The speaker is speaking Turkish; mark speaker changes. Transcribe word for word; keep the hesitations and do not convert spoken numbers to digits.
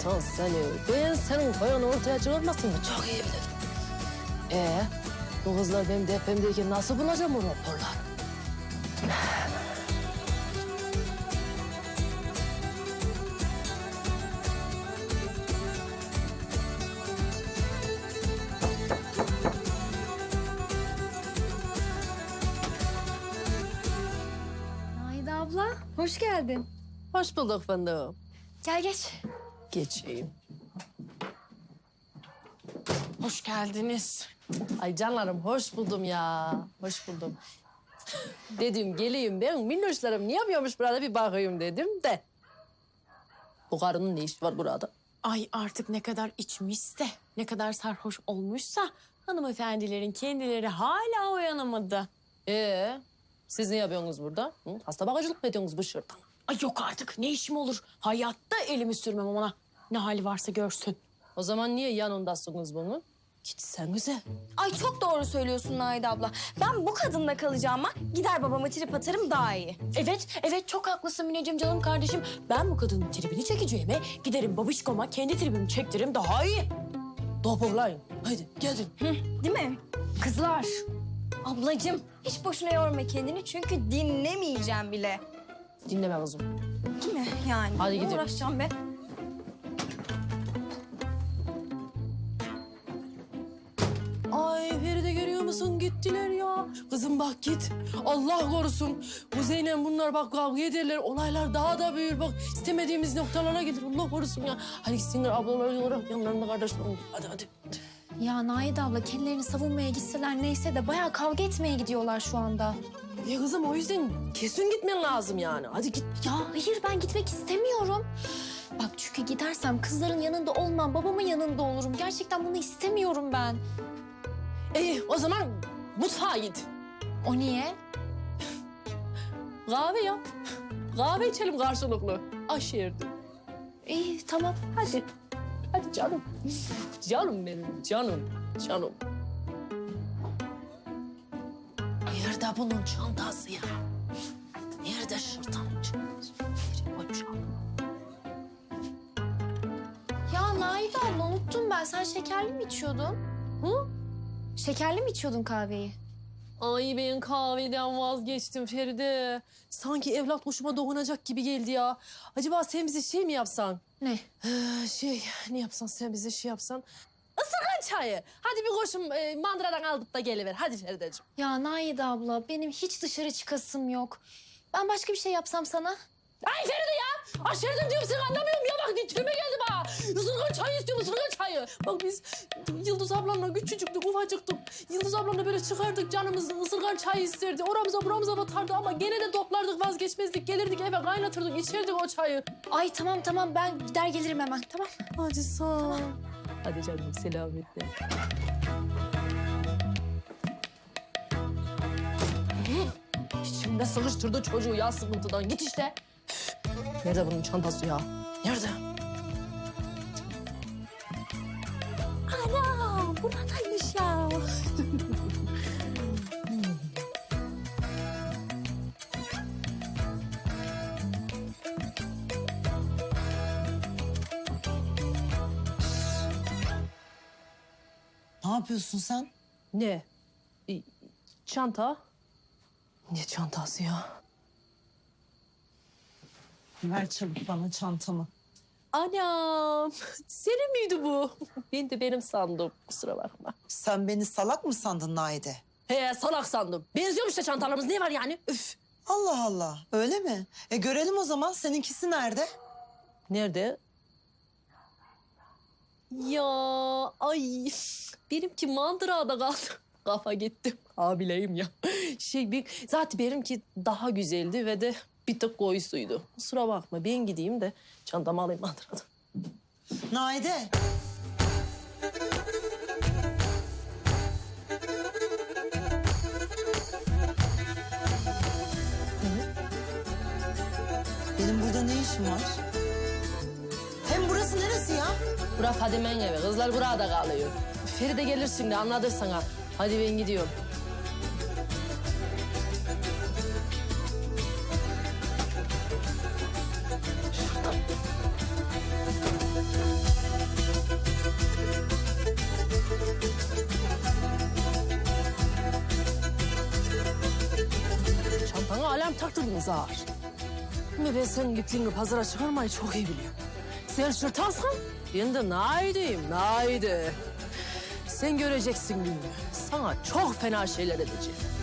Speaker 1: insan seni. Ben senin koyan ortaya çıkarmasını çok iyi bilirim. Ee, bu kızlar benim depremdeyken nasıl bulacağım o raporları?
Speaker 2: Naide abla, hoş geldin.
Speaker 1: Hoş bulduk fındığım.
Speaker 2: Gel geç.
Speaker 1: Geçeyim.
Speaker 3: Hoş geldiniz.
Speaker 1: Ay canlarım hoş buldum ya. Hoş buldum. Dedim geleyim ben minnoşlarım ne yapıyormuş burada bir bakayım dedim de. Bu karının ne işi var burada?
Speaker 3: Ay artık ne kadar içmişse, ne kadar sarhoş olmuşsa hanımefendilerin kendileri hala uyanamadı.
Speaker 1: Ee, siz ne yapıyorsunuz burada? Hı? Hasta bakıcılık mı ediyorsunuz bu şırdan?
Speaker 3: Ay yok artık ne işim olur. Hayatta elimi sürmem ona. Ne hali varsa görsün.
Speaker 1: O zaman niye yanındasınız bunun? Gitsenize.
Speaker 2: Ay çok doğru söylüyorsun Naide abla. Ben bu kadınla kalacağıma gider babama trip atarım daha iyi.
Speaker 3: Evet, evet çok haklısın Mineciğim canım kardeşim. Ben bu kadının tribini çekeceğime giderim babişkoma kendi tribimi çektiririm daha iyi.
Speaker 1: Toparlayın. Haydi gelin.
Speaker 2: Değil mi? Kızlar. Ablacığım hiç boşuna yorma kendini çünkü dinlemeyeceğim bile.
Speaker 1: Dinleme kızım.
Speaker 2: Değil mi yani?
Speaker 1: Hadi
Speaker 2: Ne
Speaker 1: gidelim.
Speaker 2: uğraşacağım be.
Speaker 1: Ay Feride görüyor musun? Gittiler ya. Kızım bak git. Allah korusun. Bu Zeynep bunlar bak kavga ederler. Olaylar daha da büyür. Bak istemediğimiz noktalara gelir. Allah korusun ya. Hadi gitsinler ablalar olarak yanlarında kardeşler olur. Hadi hadi.
Speaker 2: Ya Naide abla kendilerini savunmaya gitseler neyse de bayağı kavga etmeye gidiyorlar şu anda.
Speaker 1: Ya kızım o yüzden kesin gitmen lazım yani. Hadi git.
Speaker 2: Ya hayır ben gitmek istemiyorum. Bak çünkü gidersem kızların yanında olmam, babamın yanında olurum. Gerçekten bunu istemiyorum ben.
Speaker 1: İyi o zaman mutfağa git.
Speaker 2: O niye?
Speaker 1: Kahve yap. Kahve içelim karşılıklı. Aşerdi.
Speaker 2: İyi tamam.
Speaker 1: Hadi. Hadi canım. Canım benim canım. Canım. Nerede bunun çantası ya? Nerede şırtanın çantası? Nereye koymuş abla?
Speaker 2: Ya Naide abla unuttum ben. Sen şekerli mi içiyordun?
Speaker 1: Hı?
Speaker 2: Şekerli mi içiyordun kahveyi?
Speaker 1: Ay ben kahveden vazgeçtim Feride. Sanki evlat hoşuma dokunacak gibi geldi ya. Acaba sen bize şey mi yapsan?
Speaker 2: Ne?
Speaker 1: Ee, şey ne yapsan sen bize şey yapsan? Isırgan çayı. Hadi bir koşum e, mandıradan aldık da geliver. Hadi Ferideciğim.
Speaker 2: Ya Naide abla benim hiç dışarı çıkasım yok. Ben başka bir şey yapsam sana?
Speaker 1: Ay Feride ya! Aşerdim diyorum sen anlamıyorum ya bak dilime geldi bana. Isırgan çayı istiyorum ısırgan çayı. Bak biz Yıldız ablamla küçücüktük ufacıktık. Yıldız ablamla böyle çıkardık canımız ısırgan çayı isterdi. Oramıza buramıza batardı ama gene de toplardık vazgeçmezdik. Gelirdik eve kaynatırdık içerdik o çayı.
Speaker 2: Ay tamam tamam ben gider gelirim hemen tamam.
Speaker 1: Hadi sağ ol. Hadi canım selametle. İçimde sıkıştırdı çocuğu ya sıkıntıdan. Git işte. Üf. Nerede bunun çantası ya? Nerede? Ana buradaymış ya.
Speaker 4: Ne yapıyorsun sen?
Speaker 1: Ne? E, Çanta? Ne çantası ya?
Speaker 4: Ver çabuk bana çantamı.
Speaker 1: Anam, senin miydi bu? Ben de benim sandım, kusura bakma.
Speaker 4: Sen beni salak mı sandın Naide?
Speaker 1: He, salak sandım. Benziyormuş da çantalarımız, ne var yani? Üf.
Speaker 4: Allah Allah, öyle mi? E görelim o zaman, seninkisi nerede?
Speaker 1: Nerede? Ya, ay, benimki mandırada kaldı. Kafa gitti. Hamileyim ya. Şey, bir, zaten benimki daha güzeldi ve de bir tık koyusuydu. Kusura bakma, ben gideyim de çantamı alayım mandıradan.
Speaker 4: Naide. Benim burada ne işim var? Hem burası neresi ya?
Speaker 1: Bura Fadime'nin evi. Kızlar burada kalıyor. Feride gelir şimdi anlatır sana. Hadi ben gidiyorum. Şuradan. ayağım taktırdınız ağır. Ama ben senin ipliğini pazara çıkarmayı çok iyi biliyorum. Sen şırtansan ben de naideyim, naide. Sen göreceksin gününü. Sana çok fena şeyler edeceğim.